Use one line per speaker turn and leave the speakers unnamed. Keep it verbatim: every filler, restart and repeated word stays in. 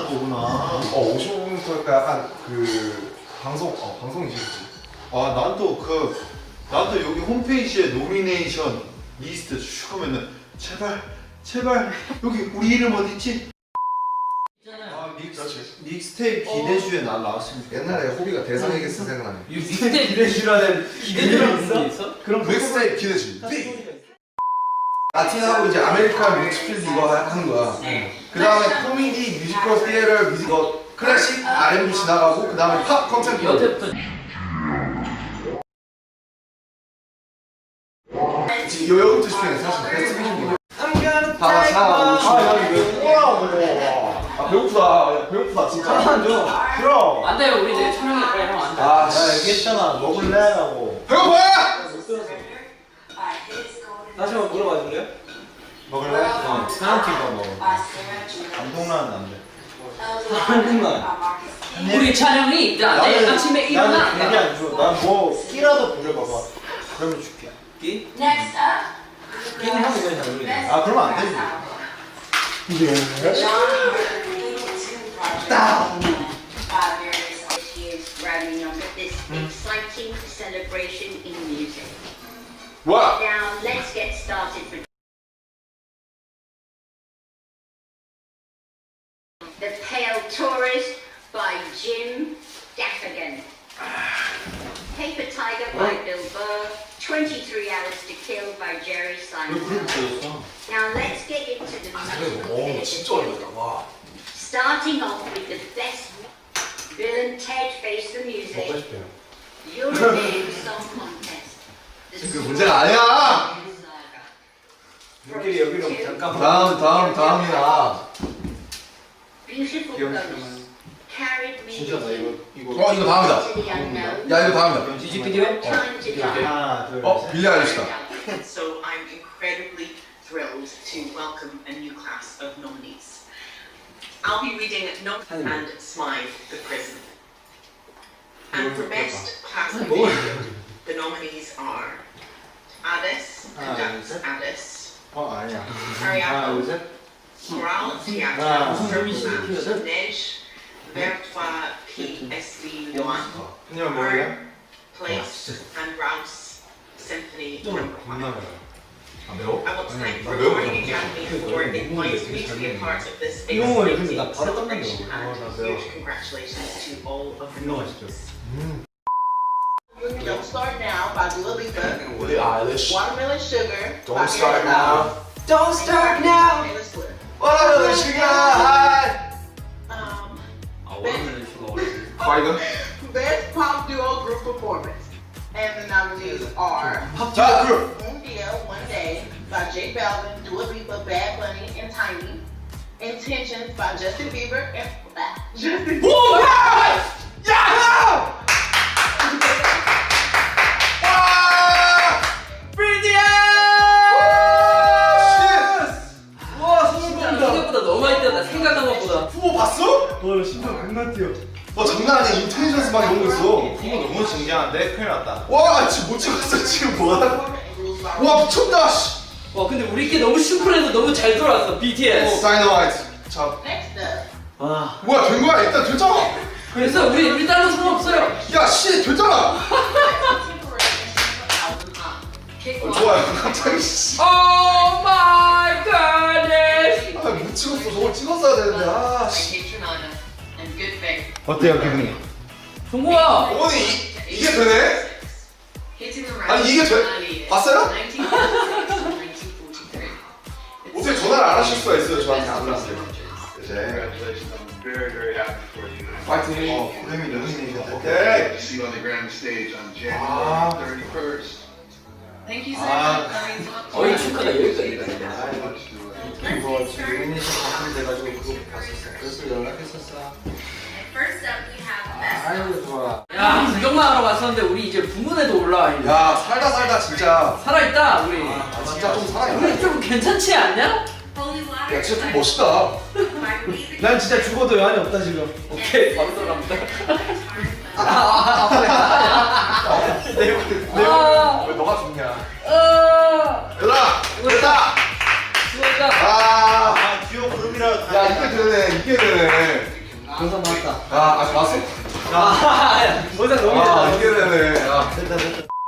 거구나.
어 오십오 분부터 약간 그 방송 어 방송이지 그치?
아, 난 또 그, 난 또 여기 홈페이지에 노미네이션 리스트 슉 하면은 제발, 제발 여기 우리 이름 어디 있지? 아, 믹스, 믹스테이프 기대주에 난 나왔으면 좋겠다.
옛날에 호비가 대상에게서 생각나네.
믹스테이프 기대주라는 기대주라는 있어? 있어?
그럼 믹스테이프 기대주. 라틴하고 이제 아메리칸 믹스필드 이거 하는 거야. 그 다음에 코미디, 뮤지컬, 티에터, 뮤지컬, 클래식, 알앤비 지나가고 그 다음에 팝 컨텐츠.
여태부터
지금 여기부터 집중해 사실 베스트 비중이야. 다 사.
아, 야, 이거 뭐라고.
아 배고프다. 야, 배고프다 진짜.
하나 줘. 싫어.
안 돼요. 우리 내일 촬영할 거야. 형 안 돼.
아,
야, 얘기했잖아. 먹을래라고.
배고파!
다시 한번 물어봐 줄래요?
먹을래? 어, 페널티가 먹어. 감동라는 안 돼.
한국말.
우리 촬영이 나 내일 아침에 일어나.
나는 괜히 안 줘. 난 뭐 끼라도 부려봐봐. 그러면 줄게.
끼?
Next up,
끼는 하면 그냥 잘 어울리네.
아, 그러면 안 되지.
John Harper two projects by various issues running on this exciting celebration in music.
뭐야?
Now let's get started with The Pale Tourist by Jim Gaffigan. Paper Tiger by Bill Burr. twenty-three Hours to Kill by Jerry Seinfeld. Now let's get into the
오 진짜 어렵다. 와.
Starting off with the best Bill and Ted Face the Music. European Song Contest. The
그 문제가 아니야.
Saga.
여기 여기로 잠깐만.
다음 다음 다음이야.
Beautiful Ghosts. Carried me
진짜 나 이거 이거.
어 이거 다음이다.
to the unknown.
야 이거 다음이다.
뮤직비디오?
Time to die.
하나, 둘,
어
셋.
빌리 아일리시다.
So I'm incredibly thrilled to welcome a new class of nominees. I'll be reading No and Smythe the Prison. And for Best Class of Video, the nominees are Alice Conducts Alice,
어, 아니야. 하나,
Ariadne,
둘, 셋.
Moral
아,
Theatre,
무슨
Nej, Vertwa P S V one,
그냥 뭐야?
Earn, Place, and Rouse Symphony Number one.
겁나
아 매워?
I want to thank the
나 매운 거
Recording
잘
Academy for inviting me to be a part of this
이런 거
exciting
근데 나 바로 땀난다.
celebration
어, 나
and
매워.
huge congratulations to all of the
겁나 맛있죠?
Don't Start Now by Dua Lipa.
빌리 아일리시.
Watermelon Sugar by
Don't start now.
Don't start now.
Taylor Swift.
와라멜론 슈가.
Um,
아 원하는 슈가 어려워.
과이건.
Best Pop Duo Group Performance. And the nominees are
자 그럼.
Un Dia, One Day by J Balvin, Dua Lipa, Bad Bunny, and Tiny. Intentions by Justin Bieber and Justin Bieber.
야!
생각보다 너무 많이 뛰었다. 생각한 것보다.
후보 봤어?
너 심장 겁나 뛰어.
와 장난 아니야. 인텔리전스 막 이런 거 있어.
이거 너무 신기한데? 큰일 났다.
와 지금 못 찍었어 지금 뭐야? 와 미쳤다. 씨.
와 근데 우리께 너무 심플해서 너무 잘 돌아왔어. 비티에스.
다이너마이트. 자
Next up,
와.
뭐야 된 거야? 일단 됐잖아.
그래서 우리 우리 딸은 상관없어요.
야 씨 됐잖아.
Pick
어,
one.
좋아요. 갑자기 씨.
Oh my goodness.
아못 찍었어. 저걸 찍었어야 되는데. 아
By
씨.
Kate Renata and Good Faith.
어때요, 기분이?
종국아.
어머니 이, 이게 되네?
Hitting the
아니, 이게 돼?
road.
봤어요?
nineteen forty-six and nineteen forty-three.
어떻게 전화를 안 하실 수가 있어요? 저한테 안 왔어요. 이제
Congratulations, I'm very, very happy for you.
파이팅.
어, 그림이 노미네이션
오케이.
To see you on the grand stage on
Ah.
January thirty-first.
Thank you so
Ah.
much for coming to watch.
어이 축하가 여기까지.
이거 지금 노미네이션 당첨돼가지고 그거 봤었어. 그래서 연락했었어.
First up, we have Best
아이고, 좋아.
야 구경만 하러 왔었는데 우리 이제 부문에도 올라와 있네.
야 살다 살다 진짜.
살아있다 우리.
아, 진짜 좀 살아있네.
우리 좀 괜찮지 않냐?
Holy Water.
야 진짜 좀 멋있다.
by Reza
난 진짜 죽어도 여한이 없다, 지금.
오케이 바로 들어갑니다.
내, 내,
아,
왜 너가 죽냐?
아,
얘들아 됐다.
수고했다.
아.
아, 귀여운 그림이라.
야 이게 되네 이게 되네.
영상 봤다.
아, 아직 봤어?
아, 영상 너무
아,
좋다.
이게 되네. 아.
됐다, 됐다.